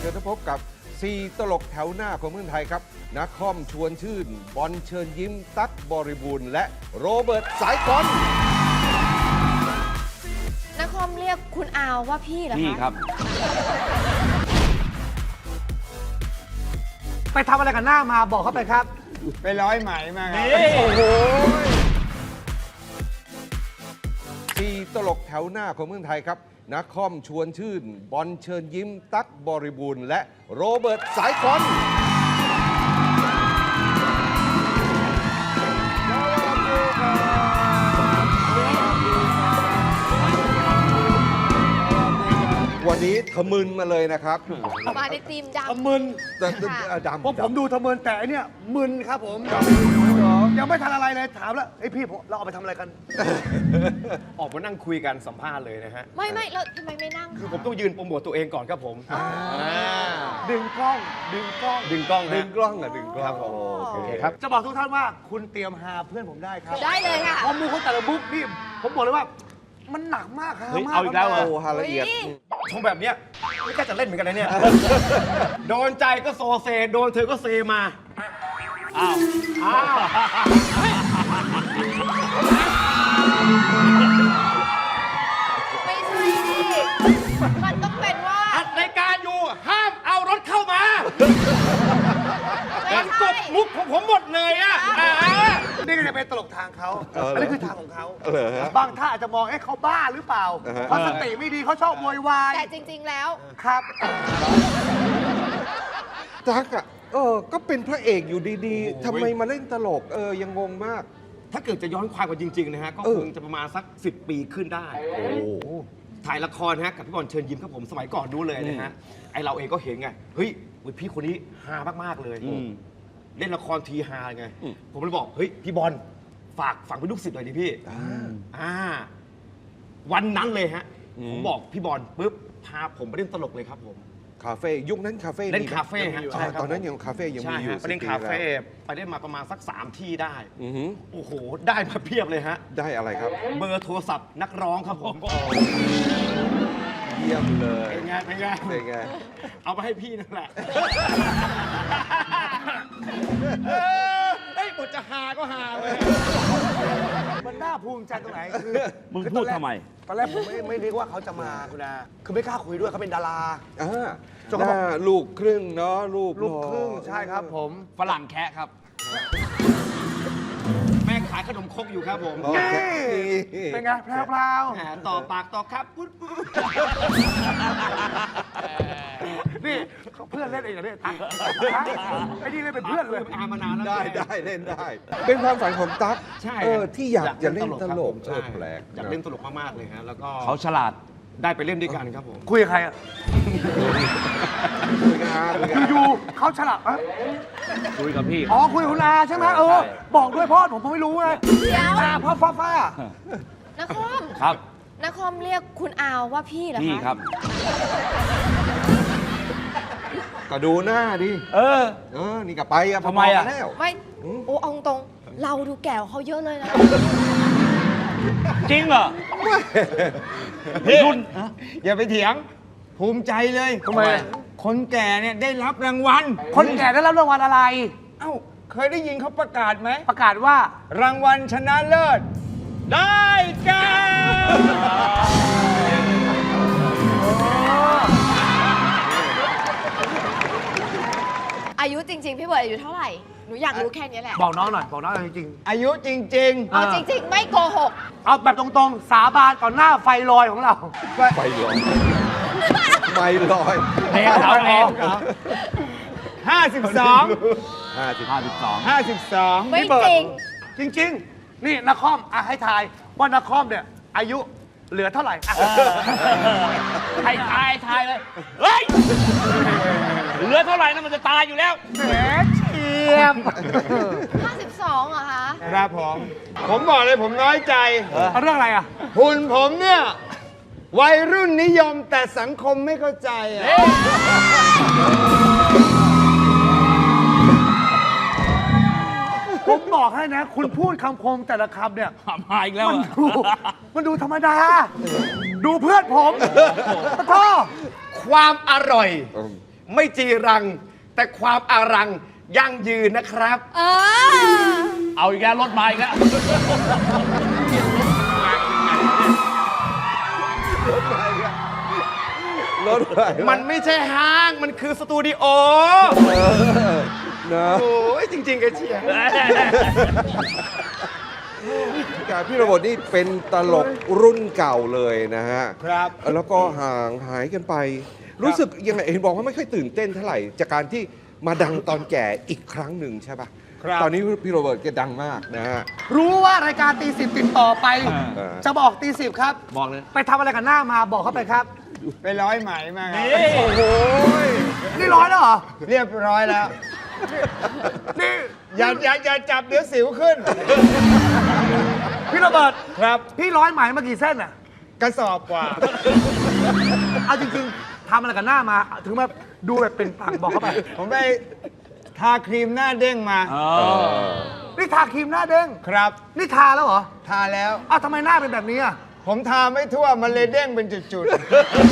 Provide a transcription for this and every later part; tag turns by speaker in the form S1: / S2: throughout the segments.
S1: ญพบกับ4ตลกแถวหน้าของเมืองไทยครับนักคอมชวนชื่นบอลเชิญยิ้มตั๊กบริบูรณ์และโรเบิร์ตสายกล
S2: นักคอมเรียกคุณอาวว่าพี่เหรอคะ
S3: พี่ครับ
S4: ไปทำอะไรกันหน้ามาบอกเขาไปครับ
S5: ไปร้อยไหมมาครับ
S1: โอ้โห4ตลกแถวหน้าของเมืองไทยครับนักคอมชวนชื่นบอลเชิญยิ้มตั๊กบริบูรณ์และโรเบิร์ตสายกลวันนี้ทะมึนมาเลยนะครับ
S2: มาในทีมดำ
S4: ทะมึน
S1: แต่ดำ
S4: เพราะผมดูทะมึนแต่อันเนี้ยมึนครับผมยังไม่ทันอะไรเลยถามแล้วไอ้พี่เราเอาไปทำอะไรกัน
S5: ออกมานั่งคุยกันสัมภาษณ์เลยนะฮะ
S2: ไม่แล้วทำไมไม่นั่ง
S5: คือผมต้องยืนโปรโมทตัวเองก่อนครับผม
S4: ดึงกล้อง
S5: ครับผมโอเคครับ
S4: จะบอกทุกท่านว่าคุณเตรียมหาเพื่อนผมได้ครับ
S2: ได้เลยค่ะ
S4: ข้อมูลเขาแต่ละบุ๊กนี่ผมบอกเลยว่ามันหนักมากครับ
S3: เอาอีกแล้วเหรอ
S1: โอ้ฮาละเอียด
S5: ชมแบบเนี้ยไม่กล้าจะเล่นเหมือนกันนะเนี่ยโดนใจก็โซเซโดนเธอก็เซมาอ้าว
S2: ไม่ใช่ดิมันต้องเป็นว่า
S5: อัดรายการอยู่ห้ามเอารถเข้ามามันกบมุกของผมหมดเลยอ่ะ
S4: นี่ก็จะเป็นตลกทางเขาอันนี้คือทางของเขา
S1: บ
S4: างท่าอาจจะมองเขาบ้าหรือเปล่าเขาสติไม่ดีเขาชอบโวยวาย
S2: แต่จริงๆแล้ว
S4: ครับ
S1: ตั๊กอ่ะก็เป็นพระเอกอยู่ดีๆทำไมมาเล่นตลกยังงงมาก
S5: ถ้าเกิดจะย้อนความกันจริงๆนะฮะก็คงจะประมาณสัก10 ปีขึ้นได้ถ่ายละครฮะกับพี่บอลเชิญยิ้มครับผมสมัยก่อนดูเลยนะฮะไอเราเองก็เห็นไงเฮ้ยพี่คนนี้ฮามากๆเลยเล่นละครทีฮาไงผมเลยบอกเฮ้ยพี่บอลฝากเป็นลูกศิษย์หน่อยดิพี่วันนั้นเลยฮะผมบอกพี่บอลปุ๊บพาผมไปเล่นตลกเลยครับผม
S1: คาเฟ่ยุคนั้นคาเฟ่
S5: เล่นคาเฟ่ฮะ
S1: ใช่ตอนนั้นยังคาเฟ่ยังมีอยู่
S5: ไปเล่นคาเฟ่ไปเล่นมาประมาณสัก3 ที่ได้โอ้โหได้มาเพียบเลยฮะ
S1: ได้อะไรครับ
S5: เบอร์โทรศัพท์นักร้องครับผม
S1: เยี่ยมเลย
S5: เป็นไงเอาไปให้พี่นั่นแหละบทจะหาก็หาเลย
S4: มันน่าภูมิใจตรงไหนคือ
S3: มึงพูดทำไม
S4: ตอนแรกผมไม่นึกว่าเขาจะมาคุณอาคือไม่กล้าคุยด้วยเขาเป็นดารา
S1: จนเขาบอกลูกครึ่งเนาะลูก
S4: ครึ่งใช่ครับผม
S3: ฝรั่งแคะครับ
S5: แม่ขายขนมครกอยู่ครับผม
S4: เป็นไงแพรว
S5: ๆต่อปากต่อครับปุ๊บ
S4: นี่เพื่อนเล่นเองเหรอเนี่ยไอ้นี่เล่นเป็นเพื่อนเลย
S5: มานานแล้ว
S1: ได้เล่นได้เป็นความฝันของตั๊กที่อยากจะเล่นตลกแปลก
S5: อยากเล่นตลกมากๆเลยฮะแล้วก็
S3: เขาฉลาด
S5: ได้ไปเล่นด้วยกันครับผม
S4: คุยกับใครอ่ะอยู่เขาฉลาด
S3: คุยกับพี่
S4: คุยกับคุณอาใช่ไหมบอกด้วยพ่อผมไม่รู้ไง
S2: เดี๋ยว
S4: พ่อฟ้า
S2: นักคอม
S3: ครับ
S2: นักคอมเรียกคุณอาวว่าพี่เหรอคะ
S3: พี่ครับ
S1: ก็ดูหน้าดินี่ก็ไปอะ
S3: ทำไมอะ
S2: ไม่เอาตรงเราดูแก่เขาเยอะเลยนะ
S3: จริงเหรอ
S5: รุ่นอย่าไปเถียงภูมิใจเลย
S4: ทำไม
S5: คนแก่เนี่ยได้รับรางวัล
S4: คนแก่ได้รับรางวัลอะไร
S5: เคยได้ยินเขาประกาศไหม
S4: ประกาศว่
S5: ารางวัลชนะเลิศได้แก่
S2: อายุจริงๆพี่เบิร์ดอายุเท่าไหร่หนูอยากรู้แค่นี้แหละ
S4: บอกน้องหน่อยบอกน้องจริง
S5: อายุจริง
S2: เอาจริงๆไม่โกหก
S4: เอาแบบตรงๆสาบานต่อหน้าไฟลอยของเรา
S1: ไฟลอย
S3: แพ้เราเอง
S5: 52
S2: ไม่จริง
S4: จริงนี่นักคอมให้ทายว่านักคอมเนี่ยอายุเหลือเท่าไหร่
S3: ให้ทายเลยเฮ้ยเหลือเท่าไหร่นะมันจะตายอยู่แล้ว
S4: แหมเฉียบ
S2: 52เหรอคะ
S5: ครับผมบอกเลยผมน้อยใจ
S4: เรื่องอะไรอ่ะ
S5: หุ่นผมเนี่ยวัยรุ่นนิยมแต่สังคมไม่เข้าใจ
S4: ผมบอกให้นะคุณพูดคำคมแต่ละคำเนี่ย
S3: มาอีกแล้ว
S4: มันดูธรรมดาดูเพื่อนผมขอโทษ
S5: ความอร่อยไม่จีรัง แต่ความอารังยั่งยืนนะครับ
S3: เอาอีกแล้วรถมาอีกแล้ว
S1: รถอะไรวะ
S5: มันไม่ใช่ห้างมันคือสตูดิโอ
S1: นะ
S5: โอ้ยจริงๆกันเชียร์
S1: พี่โรเบิร์ตนี่เป็นตลกรุ่นเก่าเลยนะฮะ
S5: ครับ
S1: แล้วก็ห่างหายกันไป รู้สึกยังไงเห็นบอกว่าไม่ค่อยตื่นเต้นเท่าไหร่ จากการที่มาดังตอนแก่อีกครั้งหนึ่งใช่ปะ
S5: ครับ
S1: ตอนนี้พี่โรเบิร์ตแกดังมากนะฮะ
S4: รู้ว่ารายการตีสิบติดต่อไป
S1: อ่า
S4: จะบอกตีสิบครับ
S3: บอกเลย
S4: ไปทำอะไรกันหน้ามาบอกเขาไปครับ
S6: ไปร้อยไหมมาครับ
S3: นี่
S4: โอ้โหนี่ร้อยแล้วเหรอ
S6: เรียบร้อยแล้ว
S4: นี่
S6: อย่าจับเดี๋ยวสิวขึ้น
S4: พี่โรเบิร์ต
S6: ครับ
S4: พี่ร้อยไหมมากี่เส้นอ่ะ
S6: กระสอบกว่า
S4: เอาจริงๆทำอะไรกันหน้ามา ถึงมาดูแบบเป็นปังบอกเขาไป
S6: ผมไปทาครีมหน้าเด้งมา
S4: นี่ทาครีมหน้าเด้ง
S6: ครับ
S4: นี่ทาแล้วเหรอ
S6: ทาแล้ว
S4: อ้าวทำไมหน้าเป็นแบบนี้อ่ะ
S6: ผมทาไม่ทั่ว มันเลยเด้งเป็นจุดๆ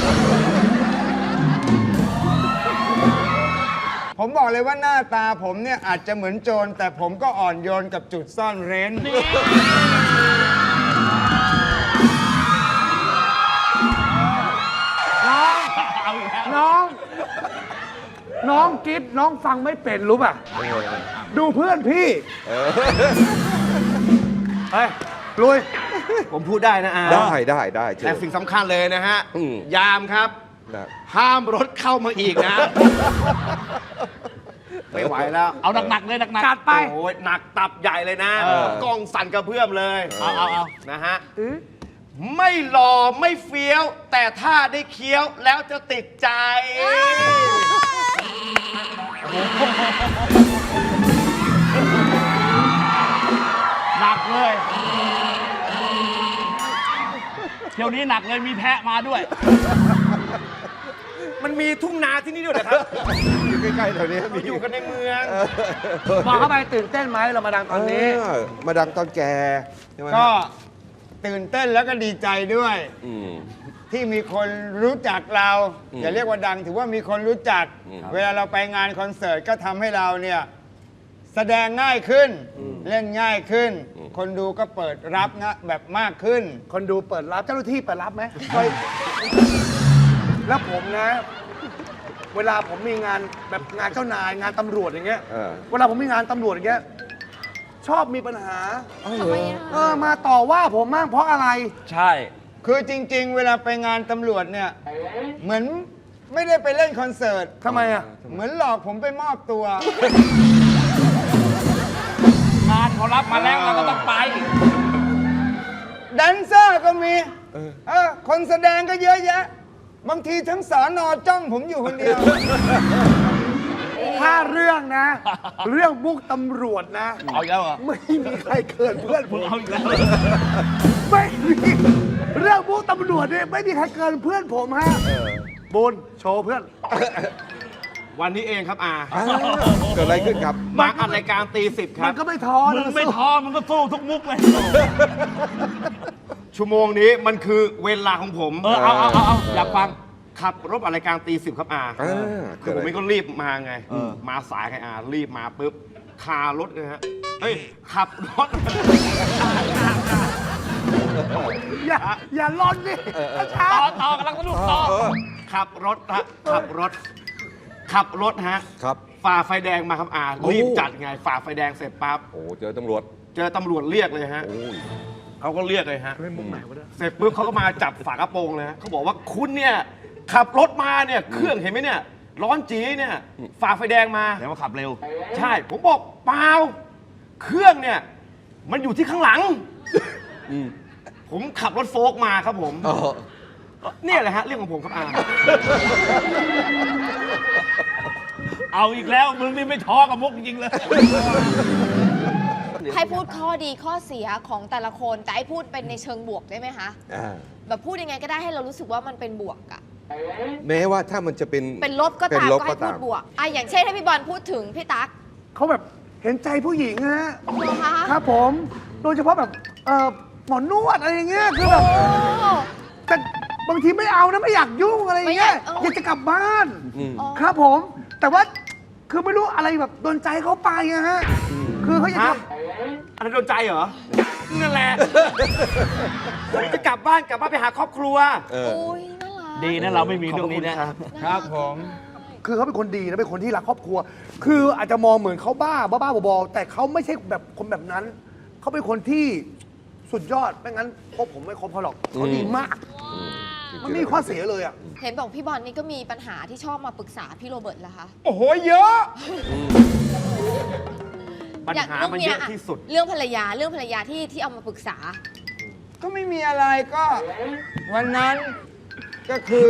S6: ผมบอกเลยว่าหน้าตาผมเนี่ยอาจจะเหมือนโจร แต่ผมก็อ่อนโยนกับจุดซ่อนเร้น
S4: น้อง
S3: เอาอีกแล้ว
S4: น้องกิ๊ฟน้องฟังไม่เป็นรู้ป่ะ ดูเพื่อนพี่ เฮ้ย ลุย
S5: ผมพูดได้นะอา
S1: ได้เชิญ
S5: แต่สิ่งสำคัญเลยนะฮะ
S1: อืม
S5: ยามครับ
S1: นะ
S5: ห้ามรถเข้ามาอีกนะ ไม่ไหวแล้ว
S3: เอาหนักๆเลยหนัก
S4: จัดไป
S5: โอ้ยหนักตับใหญ่เลยนะ กล้องสั่นกระเพื่อมเลย
S3: เอา
S5: นะฮะ ไม่หล่อไม่เฟี้ยว แต่ถ้าได้เคี้ยวแล้วจะติดใจ
S3: หนักเลยเที่ยวนี้หนักเลยมีแพะมาด้วย
S5: มันมีทุ่งนาที่นี่ด้วยนะครับ
S1: อยู่ใกล้ๆแถวนี้
S5: เราอยู่กันในเมือง
S4: บอกเข้าไปตื่นเต้นไหมเรามาดังตอนนี้
S1: มาดังตอนแกใช่ไหมฮะ
S6: ก็ตื่นเต้นแล้วก็ดีใจด้วย
S1: อืม
S6: ที่มีคนรู้จักเรา
S1: อืม
S6: อย่าเรียกว่าดังถือว่ามีคนรู้จัก
S1: อืม
S6: เวลาเราไปงานคอนเสิร์ตก็ทำให้เราเนี่ยแสดงง่ายขึ้น เล่นง่ายขึ้น คนดูก็เปิดรับนะแบบมากขึ้น
S4: คนดูเปิดรับเจ้าหน้าที่เปิดรับไหมแล้วผมนะ เวลาผมมีงานแบบงานเจ้านายงานตำรวจอย่างเงี้ย เวลาผมมีงานตำรวจอย่างเงี้ย ชอบมีปัญหา
S2: ทำไมอ่ะ
S4: มาต่อว่าผมมากเพราะอะไร
S3: ใช่
S6: คือจริง ๆ เวลาไปงานตำรวจเนี่ยเหมือนไม่ได้ไปเล่นคอนเสิร์ต
S4: ทำไมอ่ะ
S6: เหมือนหลอกผมไปมอบตัว
S3: งานเขารับมาแล้วเราก็ต้องไป
S6: แดนเซอร์ก็มีคนแสดงก็เยอะแยะ บางทีทั้งสอนอจ้องผมอยู่คนเดียว
S4: ถ้าเรื่องนะ เรื่องมุกตำรวจนะ
S3: เอาอีกแล้วเหรอ
S4: ไม่มีใครเกินเพื่อนผม
S3: เอาอีกแล้ว
S4: ไม่มีเรื่องมุกตำรวจเนี่ยไม่มีใครเกินเพื่อนผมฮะบุญโชว์เพื่อน
S5: วันนี้เองครับอา
S1: เกิดอะไรขึ้นครับ
S5: มาอัดรายการตีสิบค
S4: มั
S5: รั
S4: น
S5: บ
S4: ก็ไม่ท้อ
S3: มึ
S4: นะ
S3: งไม่ท้อมึงก็สู้ทุกมุกเลย
S5: ชั่วโมงนี้มันคือเวลาของผม
S3: เอาอยากฟัง
S5: ขับรถอัดรายการตีสิบครับอา คือผมไม่ก็รีบมาไง มาสายไงอารีบมาปุ๊บคารถเลยฮะ เฮ้ย ขับรถ
S4: อย่าล้นดิช้า
S3: ต่อกำลังสนุกต่อ
S5: ขับรถฮะ ขับรถฮะ
S1: ครับ
S5: ฝ่าไฟแดงมาครับอา
S1: โอ้
S5: รีบจัดไง ฝ่าไฟแดงเสร็จปั๊บ
S1: โอ้เจอตำรวจ
S5: เจอตำรวจเรียกเลยฮะ
S1: โอ้ย
S5: เขาก็เรียกเลยฮะ เสร็จปุ๊บเขาก็มาจับฝากระโปรงเลยฮะเขาบอกว่าคุณเนี่ย ขับรถมาเนี่ย เครื่องเห็นไหมเนี่ย ร้อนจีเนี่ย ฝ่าไฟแดงมา
S3: แล้วมาขับเร็ว
S5: ใช่ ผมบอกเปล่า เครื่องเนี่ย มันอยู่ที่ข้างหลัง ผมขับรถโฟล์กมาครับผม เนี่ยแหละฮะ เรื่องของผมครับอา
S3: เอาอีกแล้ว มึงนี่ไม่ท้อกับมุกจริงๆเลย
S2: ให้พูดข้อดีข้อเสียของแต่ละคนแต่ให้พูดเป็นในเชิงบวกได้ไหมคะ แบบพูดยังไงก็ได้ให้เรารู้สึกว่ามันเป็นบวกอะ
S1: แม้ว่าถ้ามันจะเป็น
S2: เป็นลบก็
S1: เป็น
S2: ตาม
S1: ลบ
S2: ก็ให้
S1: ก็
S2: พู
S1: ตา
S2: ด
S1: ม
S2: บวกอ่ะอย่างเช่นให้พี่บอลพูดถึงพี่ตั๊ก
S4: เขาแบบเห็นใจผู้หญิงฮะ
S2: เหรอคะ
S4: ครับผม โดยเฉพาะแบบหมอนวดอะไรอย่างเงี้ยคือแบบ
S2: โอ้
S4: แต่บางทีไม่เอานะไม่อยากยุ่งอะไรอย่างเงี้ย
S2: ไม่อยาก
S4: อยากจะกลับบ้าน
S2: อ๋อ
S4: ครับผม แต่ว่าคือไม่รู้อะไรแบบโดนใจเขาไปอะฮะคือเขาอยาก
S5: ฮะ
S4: จะ
S5: อะไรโดนใจเหรอ นั่นแหละ ผมจะกลับบ้านไปหาครอบครัว
S2: โอ้ยน่ารัก
S3: ดีนะเราไม่มีเรื่องนี้นะ
S5: ขอบคุณครับ
S6: ครับผม
S4: คือเขาเป็นคนดีนะเป็นคนที่รักครอบครัว คืออาจจะมองเหมือนเขาบ้าบอๆแต่เขาไม่ใช่แบบคนแบบนั้น เขาเป็นคนที่สุดยอดไม่งั้นพวกผมไม่คบเขาหรอกเขาดีมากมันไม่มีข้อเสียเลยอ่ะ
S2: เห็นบอกพี่บอลนี่ก็มีปัญหาที่ชอบมาปรึกษาพี่โรเบิร์ตเหรอคะ
S6: โอ้โห เยอะ
S5: ปัญหามันเยอะที่สุด
S2: เรื่องภรรยาที่เอามาปรึกษา
S6: ก็ไม่มีอะไรก็ วันนั้นก็คือ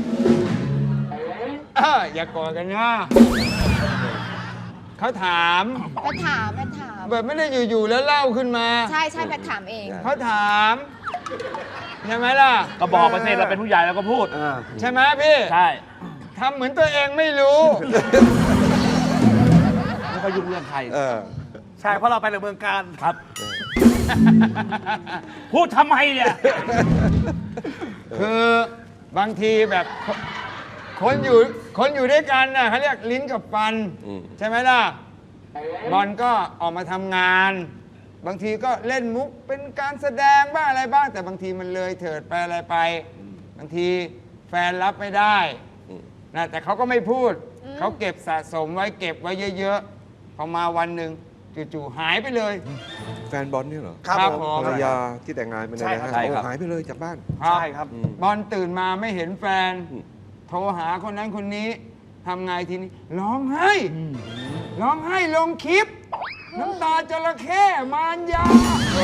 S6: อย่ากอดกันนะเขาถาม
S2: แพทถาม
S6: แบบไม่ได้อยู่ๆแล้วเล่าขึ้นมา
S2: ใช่แพทถามเอง
S6: เขาถามใช่ไหมล่ะ
S3: ก็บอกไปสิเราเป็นผู้ใหญ่แล้วก็พูด
S6: ใช่ไหมพี่
S3: ใช่
S6: ทำเหมือนตัวเองไม่รู้
S3: ไม่ค่อยยุ่งเรื่องใคร
S4: ใช่เพราะเราไปในเมืองการ
S3: ครับ พูดทำไมเนี่ย
S6: คือบางทีแบบคนอยู่ด้วยกันน่ะเขาเรียกลิ้นกับฟัน ใช่ไหมล่ะ บอลก็ออกมาทำงาน บางทีก็เล่นมุกเป็นการแสดงบ้างอะไรบ้าง แต่บางทีมันเลยเถิดไปอะไรไป บางทีแฟนรับไม่ได้นะแต่เขาก็ไม่พูด เขาเก็บสะสมไว้เก็บไว้เยอะๆพอมาวันหนึ่งจู่ๆหายไปเลย
S1: แฟนบอลเนี่ยเหรอ
S4: ครับผม
S1: ภรรยาที่แต่งงานไปเนี่ยนะฮะ
S3: ใช่ครับ
S1: โอ้หายไปเลยจากบ้าน
S4: ใช่ครับ
S6: บอลตื่นมาไม่เห็นแฟน โทรหาคนนั้นคนนี้ทำไงทีนี้ร้องไห้ลงคลิป น้ำตาจระเข้มารยา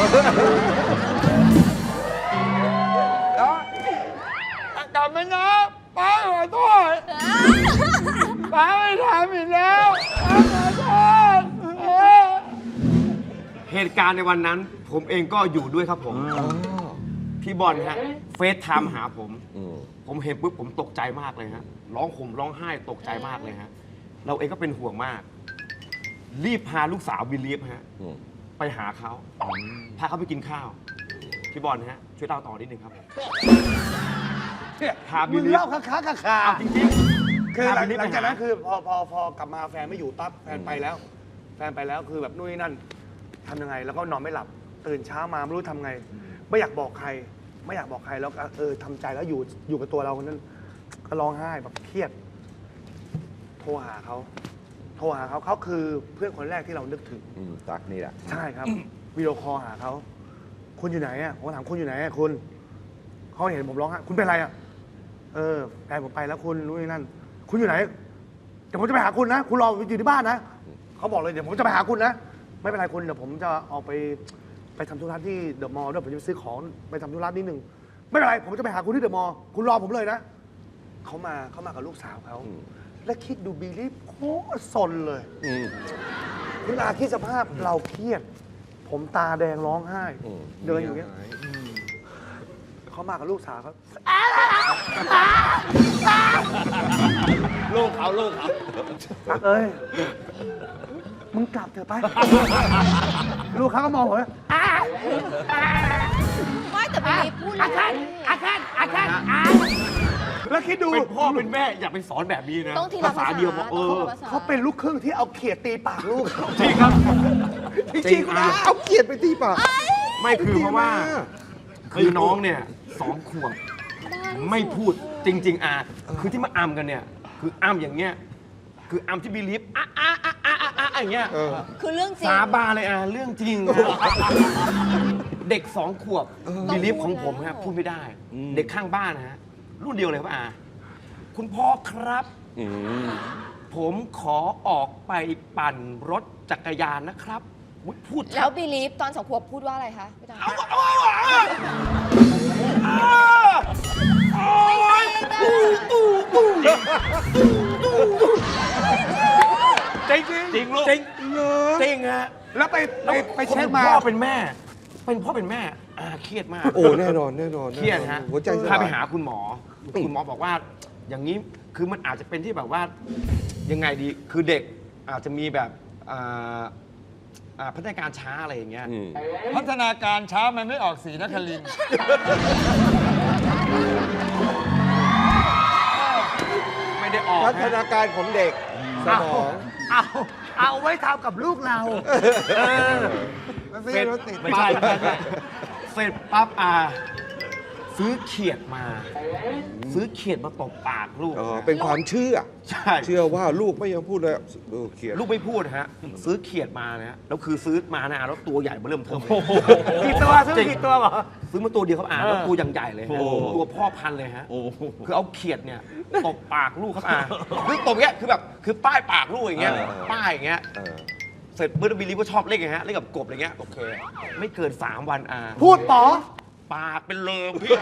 S6: แล้วกลับมานะป้าขอโทษป้าไม่ทำอีกแล้วป้าขอโทษ
S5: เหตุการณ์ในวันนั้น ผมเองก็อยู่ด้วยครับผม พี่บอลฮะเฟซไทม์หาผม ผมเห็นปุ๊บผมตกใจมากเลยฮะร้องห่มร้องไห้ตกใจมากเลยฮะเราเองก็เป็นห่วงมาก รีบพาลูกสาวบิลลีฟฮะไปหาเขาพาเขาไปกินข้าว พี่บอลฮะช่วยเล่าต่อนิดนึงครับพาบิ
S4: มึ
S5: ล
S4: ง
S5: ลีฟ
S4: เล่าค้าคา
S5: เอาจริงๆ
S4: คือหลัง
S5: พบิลฟ
S4: จากนั้น
S5: ไปห
S4: คือพอกลับมาแฟนไม่อยู่ปั๊บแฟนไปแล้วคือแบบนู่นนี่นั่นทำยังไง แล้วก็นอนไม่หลับตื่นเช้ามาไม่รู้ทำไง ไม่อยากบอกใครแล้วก็ทำใจแล้วอยู่กับตัวเราคนนั้นก็ร้องไห้แบบเครียด โทรหาเขาเขาคือเพื่อนคนแรกที่เรานึกถึง
S1: ตักนี่แหละ
S4: ใช่ครับ วิดีโอคอลหาเขาคุณอยู่ไหนอ่ะผมถามคุณอยู่ไหนอ่ะคุณเขาเห็นผมร้องไห้คุณเป็นไรอ่ะแฟนผมไปแล้วคุณรู้นี่นั่น คุณอยู่ไหนเดี๋ยวผมจะไปหาคุณนะคุณรออยู่ที่บ้านนะเขาบอกเลยเดี๋ยวผมจะไปหาคุณนะไม่เป็นไรคุณเดี๋ยวผมจะออกไปทำธุระที่เดอะมอลล์ด้วยผมจะไปซื้อของไปทำธุระนิดนึงไม่เป็นไรผมจะไปหาคุณที่เดอะมอลล์คุณรอผมเลยนะเขามากับลูกสาวเขาและคิดดูบิลลี่โคตรสนเลยคุณอาคิดสภาพเราเครียด ผมตาแดงร้องไห้ เดินอยู่เงี้ยเขามากับลูกสาวเขา
S3: ลูกเขา
S4: ตักเอ้ยมึงกลับเถอะไป ลูกเขาก็มองผม
S2: ไม่แต่บิลลีฟพูดเลย
S4: แล้วคิดดู
S5: เป็นพ่อเป็นแม่อย่าไปสอนแบบนี้นะ
S2: ต้องทีละภาษา
S5: เดียวพอ
S2: ต้องคนละภาษา
S4: เขาเป็นลูกครึ่งที่เอาเขียดตีปากลูก
S5: จริงครับ
S4: จริงๆนะ
S1: เอาเกียรติไปที่ปาก
S5: ไม่คือเพราะว่า คือน้องเนี่ย2 ขวบไม่พูดจริง ๆคือที่มาอัมกันเนี่ย คืออัมอย่างเงี้ยคืออัมที่บิลีฟอย่างเงี้ย
S2: คือเรื่องจริง
S5: สาบานเลยเรื่องจริงเด็ก2 ขวบบิลีฟของผมฮะพูดไม่ได้ เด็กข้างบ้านนะฮะรุ่นเดียวเลยครับคุณพ่อครับผมขอออกไปปั่นรถจักรยานนะครับอุ๊ยพูด
S2: แล้วบิลลีฟตอน2 ขวบพูดว่าอะไรคะพี่ตา
S5: จริง
S3: จริงลูก
S5: จริงฮะ
S4: แล้วไปเช็คมา
S5: พ่อเป็นแม่เครียดมาก
S1: โอ้แน่นอน
S5: เครียดฮะ
S1: หัวใจส
S5: พา
S1: ลาย
S5: ไปหาคุณหมอ คุณหมอบอกว่า อย่างนี้คือมันอาจจะเป็นที่แบบว่ายังไงดีคือเด็กอาจจะมีแบบพัฒนาการช้าอะไรอย่างเงี้ย
S6: พัฒนาการช้ามันไม่ออกสีนครินทร์
S5: ไม่ได้ออก
S1: พัฒ
S5: นะ
S1: นาการของเด็กสมอง
S4: เอาไว้ทำกับลูกเรา
S6: มันไม่ใช่รถติด
S5: ไม่ใช่เสร็จปั๊บซื้อเขียดมา ซื้อเขียดมาตบปากลูก
S1: อ๋อ เป็นความเชื่อ
S5: ใช่
S1: เชื่อว่าลูกไม่ยอมพูดเลยเขียน
S5: ลูกไม่พูดฮะ ซื้อเขียดมานะแล้วคือซื้อมานะแล้วตัวใหญ่มาเริ่มเทิมเลย
S4: กี่ตัวซื้อกี่ตัวเหรอ
S5: ซื้อมาตัวเดียวครับแล้วตัวอย่างใหญ่เลยฮะตัวพ่อพันธุ์เลยฮะคือเอาเขียดเนี่ยตบปากลูกครับคือตบอย่างเงี้ยคือแบบคือป้ายปากลูกอย่างเงี้ยป้ายอย่างเงี้ย เสร็จเมื่อบิลลี่ก็ชอบเล่นไงฮะเล่นกับกบอะไรเงี้ยโอเค ไม่เกิน 3 วัน
S4: พูดป๋อ
S5: ปากเป็นเลิมพี่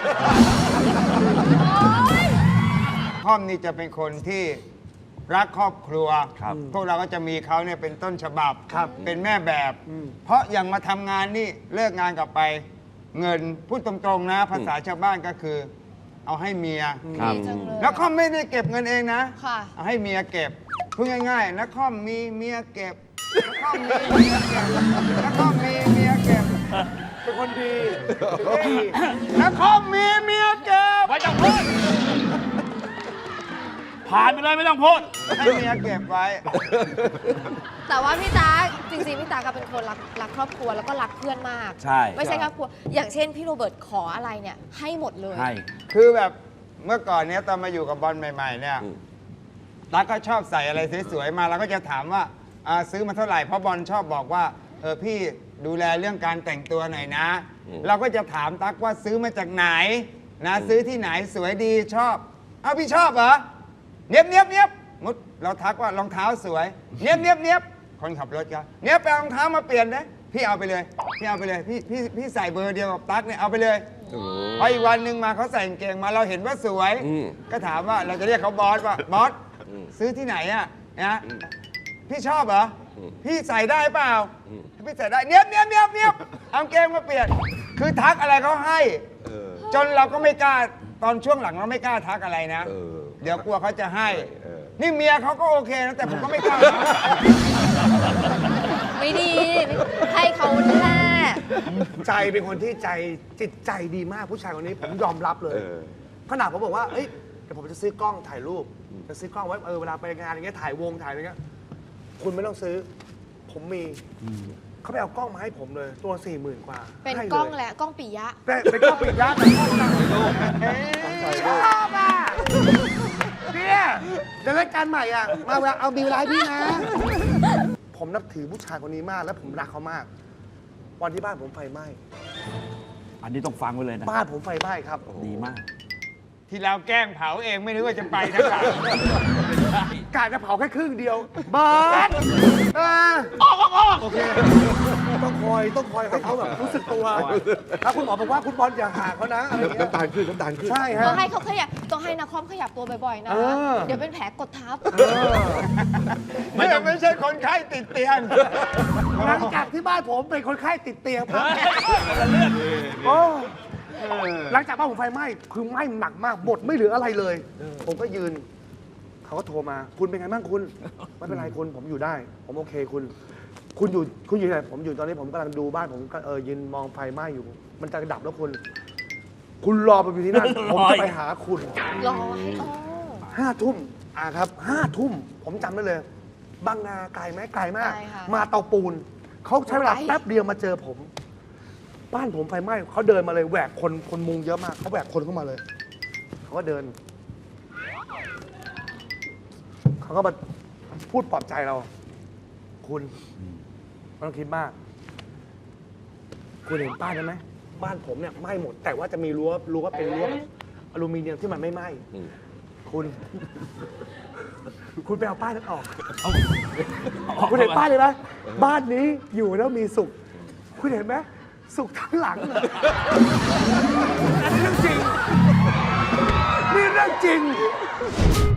S6: ค่อมนี่จะเป็นคนที่รักครอบครัว พวกเราก็จะมีเขาเนี่ยเป็นต้นฉบับ เป็นแม่แบบ เพราะอย่างมาทำงานนี่เลิกงานกลับไป เงินพูดตรงๆนะ ภาษาชาวบ้านก็คือ เอาให้เมีย
S2: ดีจังเลย
S6: แล้วค่อมไม่ได้เก็บเงินเองนะ
S2: ค่ะ
S6: เอาให้เมียเก็บพูดง่ายๆนะค่อมมีเมียเก็บนะค่อมมีเมียเก็บนะค่อมมีเมียเก็บ
S4: เป็นคนดี
S6: นะค่อมมีเมียเก็บ
S3: ไม่ต้องพูด ผ่านไปเลยไม่ต้องพูด
S6: ให้เมียเก็บไว้
S2: แต่ว่าพี่ตาจริงๆพี่ตาก็เป็นคนรักครอบครัวแล้วก็รักเพื่อนมาก
S3: ใช่
S2: ไม่ใช่ครอบครัว อย่างเช่นพี่โรเบิร์ตขออะไรเนี่ยให้หมดเลย
S3: ให้
S6: คือแบบเมื่อก่อนเนี้ยตอนมาอยู่กับบอลใหม่ๆเนี่ยตั๊กก็ชอบใส่อะไรสวยๆมาเราก็จะถามว่าซื้อมาเท่าไหร่เพราะบอลชอบบอกว่าพี่ดูแลเรื่องการแต่งตัวหน่อยนะ เราก็จะถามตั๊กว่าซื้อมาจากไหนนะซื้อที่ไหนสวยดีชอบพี่ชอบเหรอเนียบเนียบเนียบมุดเราทักว่ารองเท้าสวยเนียบเนียบเนียบคนขับรถก็เนียบไปเอารองเท้ามาเปลี่ยนนะพี่เอาไปเลยพี่เอาไปเลยพี่ใส่เบอร์เดียวกับตั๊กเนี่ยเอาไปเลยพออีกวันหนึ่งมาเขาใส่กางเกงมาเราเห็นว่าสวย ก็ถามว่าเราจะเรียกเขาบอสว่าบอสซื้อที่ไหนอะนะพี่ชอบเหรอพี่ใส่ได้เปล่าพี่ใส่ได้เนียบเนียบเนียบเนียบเอากางเกงมาเปลี่ยนคือทักอะไรเขาให้จนเราก็ไม่กล้าตอนช่วงหลังเราไม่กล้าทักอะไรนะเดี๋ยวกลัวเขาจะให้นี่เมียเขาก็โอเคนะแต่ผมก็ไม่กล้า
S2: ไม่ดี ให้เขาแน่
S4: ใจเป็นคนที่จิตใจดีมากผู้ชายคนนี้ผมยอมรับเลย ขนาดผมบอกว่าเอ้ยเดี๋ยวผมจะซื้อกล้องถ่ายรูปจะซื้อกล้องไว้เวลาไปงานอย่างเงี้ยถ่ายวงถ่ายอะไรเงี้ยคุณไม่ต้องซื้อ ผมมีเขาไปเอากล้องมาให้ผมเลยตัว 40,000 กว่า
S2: เป็น
S4: ให้
S2: กล้อง
S4: เลย
S2: แหละกล้องปิยะ
S4: เป็นกล้องปิดยาแต่กล้องดังชอบอ่ะเนี่ยเดี๋ยวรายการใหม่อ่ะมาเวลาเอาบิวไลน์พี่นะ ผมนับถือผู้ชายคนนี้มากและผมรักเขามาก วันที่บ้านผมไฟไหม้
S3: อันนี้ต้องฟังไว้เลยนะ
S4: บ้านผมไฟไหม้ครับ
S3: ดีมาก
S6: ที่เราแกล้งเผาเองไม่นึกว่าจะไปทั้งหลัง
S4: กาจะเผาแค่ครึ่งเดียวเบิร์ดโอเคต้องคอยให้เขาแบบรู้สึกตัวถ้าคุณหมอบอกว่าคุณบอลอย่าห่างเขานะอะไรอย่างเงี้ย
S1: น้ำตาลขึ้น น้ำตาลขึ้น
S4: ใช่ฮะ
S2: ต้องให้เขาขยับต้องให้นักคอมขยับตัวบ่อยๆนะ เดี๋ยวเป็นแผลกดทับ
S6: ไม่ใช่คนไข้ติดเตียง
S4: หลังจากที่บ้านผมเป็นคนไข้ติดเตียงครับโอ้หลังจากบ้านผมไฟไหม้คือไหม้หนักมากหมดไม่เหลืออะไรเลย ผมก็ยืน เขาก็โทรมา คุณเป็นไงบ้างคุณ ไม่เป็นไรคุณผมอยู่ได้ ผมโอเคคุณอยู่ไหนผมอยู่ตอนนี้ผมกำลังดูบ้านผมก็ยืนมองไฟไหม้อยู่ มันจะดับแล้วคุณรอไปอยู่ที่นั่น ผมจะไปหาคุณ
S2: รอให้
S4: 5 ทุ่มครับ5 ทุ่มผมจำได้เลยบางนาไกลไหมไกลมาก
S2: ไกลค่ะ
S4: มาเตาปูนเขาใช้เวลาแป๊บเดียวมาเจอผม บ้านผมไฟไหม้เขาเดินมาเลยแหวกคนมุงเยอะมากเขาแหวกคนเข้ามาเลยเขาก็เดินเขาก็มาพูดปลอบใจเรา คุณไม่ต้องคิดมาก คุณเห็นป้ายได้ไหมบ้านผมเนี่ยไหม้หมด แต่ว่าจะมีรั้วเป็นรั้วอลูมิเนียมที่มันไม่ไหม้คุณไปเอาป้ายนั้นออก คุณเห็นป้ายเลยไหมบ้านนี้อยู่แล้วมีสุข คุณเห็นไหมสุขทั้งหลังเลยอันนี้เรื่องจริงนี่เรื่องจริง